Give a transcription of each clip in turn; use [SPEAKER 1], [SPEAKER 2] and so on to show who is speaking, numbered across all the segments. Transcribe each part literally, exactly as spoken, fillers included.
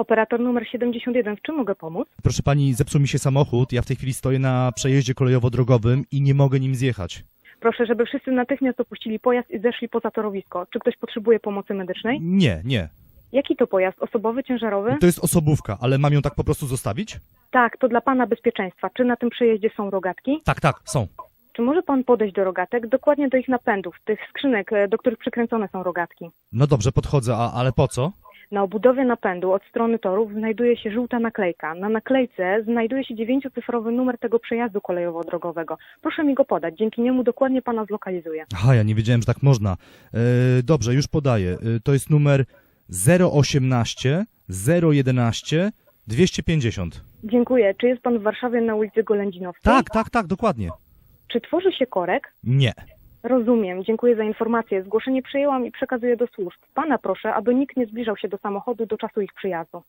[SPEAKER 1] Operator numer siedemdziesiąt jeden, w czym mogę pomóc?
[SPEAKER 2] Proszę pani, zepsuł mi się samochód, ja w tej chwili stoję na przejeździe kolejowo-drogowym i nie mogę nim zjechać.
[SPEAKER 1] Proszę, żeby wszyscy natychmiast opuścili pojazd i zeszli poza torowisko. Czy ktoś potrzebuje pomocy medycznej?
[SPEAKER 2] Nie, nie.
[SPEAKER 1] Jaki to pojazd? Osobowy, ciężarowy?
[SPEAKER 2] To jest osobówka, ale mam ją tak po prostu zostawić?
[SPEAKER 1] Tak, to dla pana bezpieczeństwa. Czy na tym przejeździe są rogatki?
[SPEAKER 2] Tak, tak, są.
[SPEAKER 1] Czy może pan podejść do rogatek? Dokładnie do ich napędów, tych skrzynek, e, do których przykręcone są rogatki.
[SPEAKER 2] No dobrze, podchodzę, a, ale po co?
[SPEAKER 1] Na obudowie napędu od strony torów znajduje się żółta naklejka. Na naklejce znajduje się dziewięciocyfrowy numer tego przejazdu kolejowo-drogowego. Proszę mi go podać, dzięki niemu dokładnie pana zlokalizuję.
[SPEAKER 2] Aha, ja nie wiedziałem, że tak można. E, dobrze, już podaję. E, to jest numer zero osiemnaście zero jedenaście dwieście pięćdziesiąt.
[SPEAKER 1] Dziękuję. Czy jest pan w Warszawie na ulicy Golędzinowskiej?
[SPEAKER 2] Tak, tak, tak, dokładnie.
[SPEAKER 1] Czy tworzy się korek?
[SPEAKER 2] Nie.
[SPEAKER 1] Rozumiem. Dziękuję za informację. Zgłoszenie przyjęłam i przekazuję do służb. Pana proszę, aby nikt nie zbliżał się do samochodu do czasu ich przyjazdu.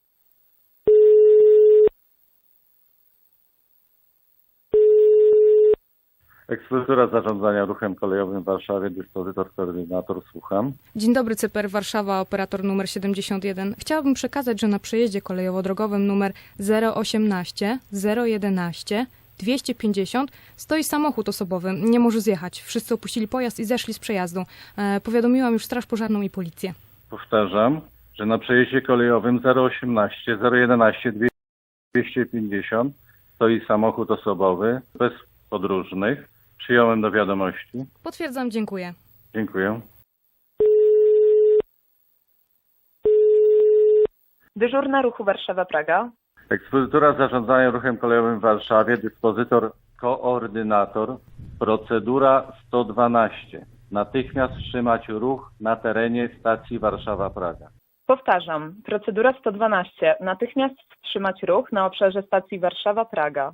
[SPEAKER 3] Ekspozytura zarządzania ruchem kolejowym w Warszawie, dyspozytor, koordynator, słucham.
[SPEAKER 4] Dzień dobry, Cyper Warszawa, operator numer siedemdziesiąt jeden. Chciałabym przekazać, że na przejeździe kolejowo-drogowym numer zero osiemnaście zero jedenaście dwieście pięćdziesiąt stoi samochód osobowy. Nie może zjechać. Wszyscy opuścili pojazd i zeszli z przejazdu. E, powiadomiłam już Straż Pożarną i policję.
[SPEAKER 3] Powtarzam, że na przejeździe kolejowym zero osiemnaście zero jedenaście dwieście pięćdziesiąt stoi samochód osobowy bez podróżnych. Przyjąłem do wiadomości.
[SPEAKER 4] Potwierdzam, dziękuję.
[SPEAKER 3] Dziękuję.
[SPEAKER 5] Dyżurna ruchu Warszawa-Praga.
[SPEAKER 3] Ekspozytura zarządzania ruchem kolejowym w Warszawie, dyspozytor, koordynator, procedura sto dwanaście. Natychmiast wstrzymać ruch na terenie stacji Warszawa-Praga.
[SPEAKER 5] Powtarzam, procedura sto dwanaście. Natychmiast wstrzymać ruch na obszarze stacji Warszawa-Praga.